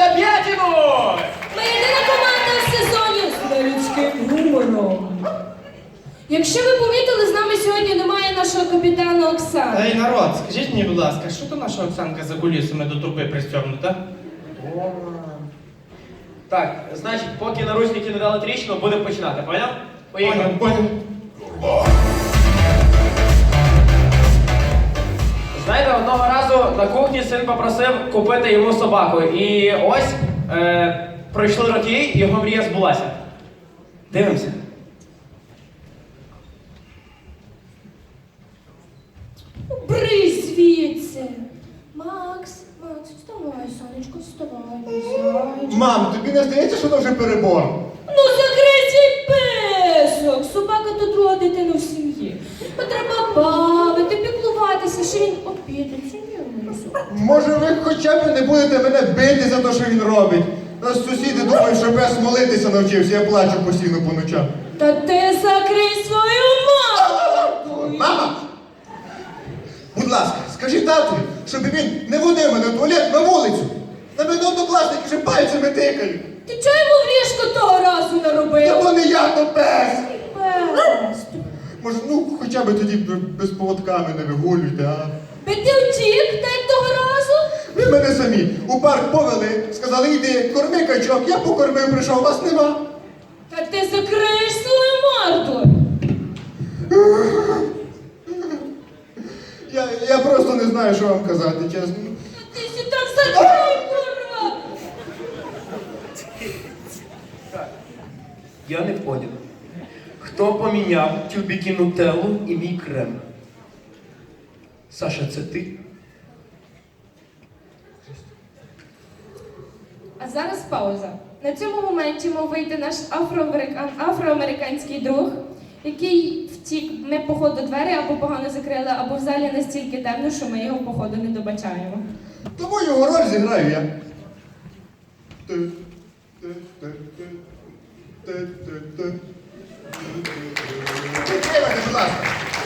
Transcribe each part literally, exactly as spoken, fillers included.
команда П'ятіну! Ми єдина команда в сезоні з нелюдським гумором. Якщо ви помітили, з нами сьогодні немає нашого капітана Оксани. Ей, народ, скажіть мені, будь ласка, що то наша Оксанка за кулісами до труби пристьобнута? Так, значить, поки наручники не дали тріщину, будемо починати, поняв? Поїхали. Поняв, поняв. Знаєте, одного разу на кухні син попросив купити йому собаку. І ось е, пройшли роки, і його мрія збулася. Дивимося. Брись звідси. Макс, Макс, вставай, сонечко, вставай, зайчик. Мам, тобі не здається, що це вже перебор? Ну закрий свій писок! Собака то друга дитина в сім'ї. Треба бавити, піклуватися, що він обідеться. Може, ви хоча б не будете мене бити за те, що він робить? Нас сусіди думають, що пес молитися навчився, я плачу постійно по ночам. Та ти закрий свою маму! Мама! Будь ласка, скажи татові, щоб він не водив мене в туалет на вулицю. На мене однокласники вже пальцями тикають. Ти чого йому в ліжко того разу наробив? Та то не я, то пес! Пес. Може, ну, хоча б тоді без поводками не вигулюйте, а? Би ти втік, та як того разу? Ви мене самі у парк повели, сказали, йди, корми качок, я покормив, прийшов, вас нема. Та ти закриєш свою морду. Я, я просто не знаю, що вам казати, чесно. Та ти сі так закрий, курва. Я не понял. Хто поміняв тюбіки нутеллу і мій крем? Саша, це ти? А зараз пауза. На цьому моменті мав вийти наш афроамерикан... афроамериканський друг, який втік. Ми, походу, двері або погано закрили, або в залі настільки темно, що ми його, походу, не добачаємо. Тому його роль зіграю я. Підтримайте, будь ласка.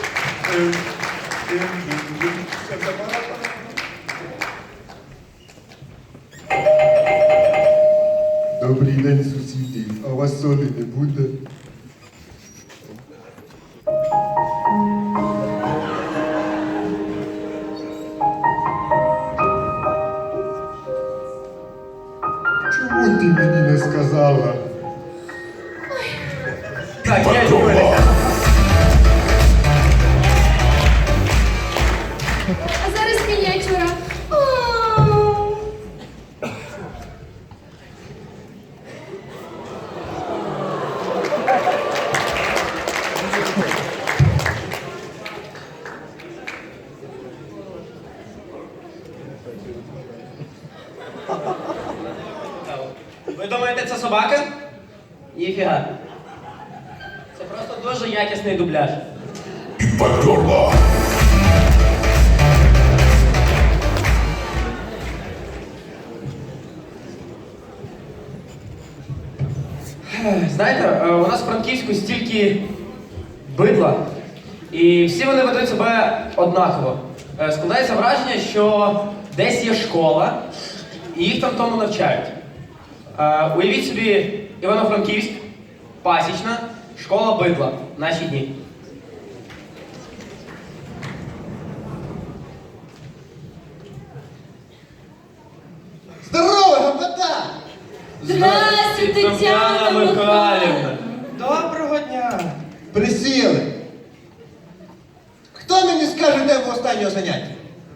Добрий день, сусіди. А у вас солі не буде? Чому ти мені не сказала? Так, я йду. А зараз мініатюра. О! Ви думаєте, це собака? Ніфіга. Це просто дуже якісний дубляж. Знаєте, у нас в Франківську стільки бидла, і всі вони ведуть себе однаково. Складається враження, що десь є школа, і їх там тому навчають. Уявіть собі Івано-Франківськ, Пасічна, школа бидла, наші дні. Здорово, гопота! Здрасте, Тетяна Михайлівна. Доброго дня! Присіли. Хто мені скаже, де в останнього заняття?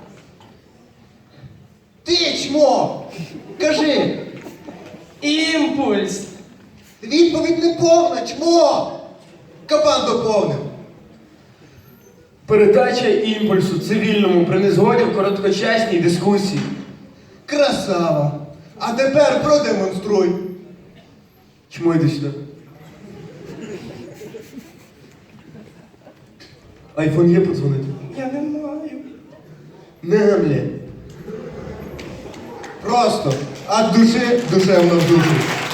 Ти, чмо! Кажи! Імпульс! Відповідь не повна, чмо! Кабан доповнив. Передача імпульсу цивільному при незгоді в короткочасній дискусії. Красава! А тепер продемонструй. Чому йди сюди? Айфон є подзвонити? Я не маю. Не гамлє. Просто від душі душевно в душу.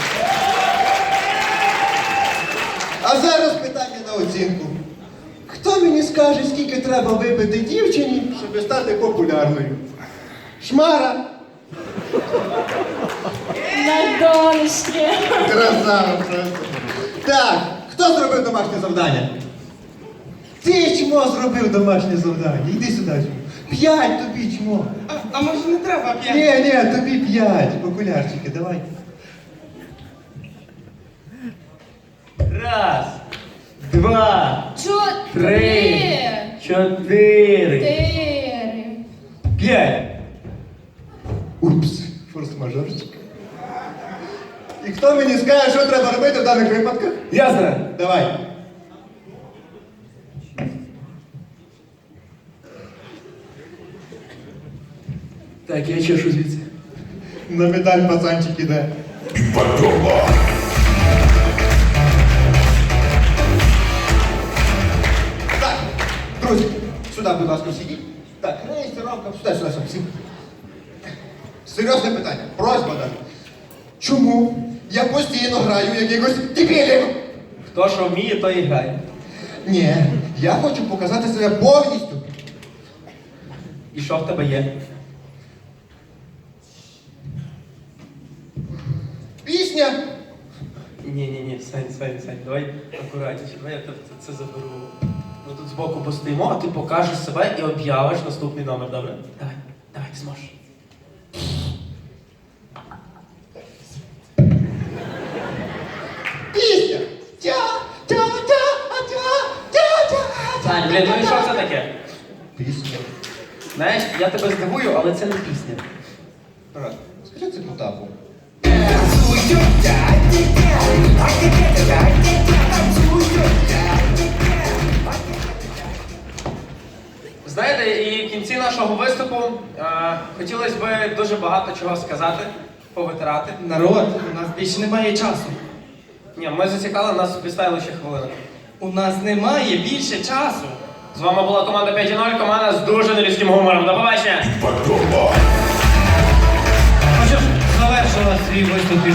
А зараз питання на оцінку. Хто мені скаже, скільки треба випити дівчині, щоб стати популярною? Шмара? нарешті. Красава просто. Так, хто зробив домашнє завдання? Ти чмо зробив домашнє завдання. Йди сюди. чмо. П'ять тобі чмо. А, а може не треба п'ять? Ні, ні, тобі п'ять. Окулярчики, давай. Раз, два, Чотири. чотири, Чотири. п'ять. Упс, форс-мажорчик. І хто мені скаже, що треба робити в даних випадках? Я знаю. Давай. Так, я чешу звідси. На медаль пацанчик іде. Так, друзі, сюди, будь ласка, сидіть. Так, реєстровка, сюди, сюди, сюди, всі. Серйозне питання, просьба даже. Чому я постійно граю якихось дебілів? Хто що вміє, то і грає. Ні, я хочу показати себе повністю. І що в тебе є? Пісня. Ні, ні, ні, Сань, Сань, Сань, давай акуратніше, давай я тебе це заберу. Ми тут збоку постоїмо, а ти покажеш себе і об'явиш наступний номер, добре? Давай, давай, ти зможеш. Пісня. Тя, тя, тя, а тя, тя, тя. Сань, блін, ну і що це таке? Пісня. Знаєш, я тебе здивую, але це не пісня. Брат, скажи це Потапу. Знаєте, і в кінці нашого виступу е, хотілося б дуже багато чого сказати, повитирати. Народ, у нас більше немає часу. Ні, ми засікали, нас підставили ще хвилину. У нас немає більше часу. З вами була команда п'ять нуль, команда з дуже нелюдським гумором. До побачення! Ну що ж, завершила свій виступ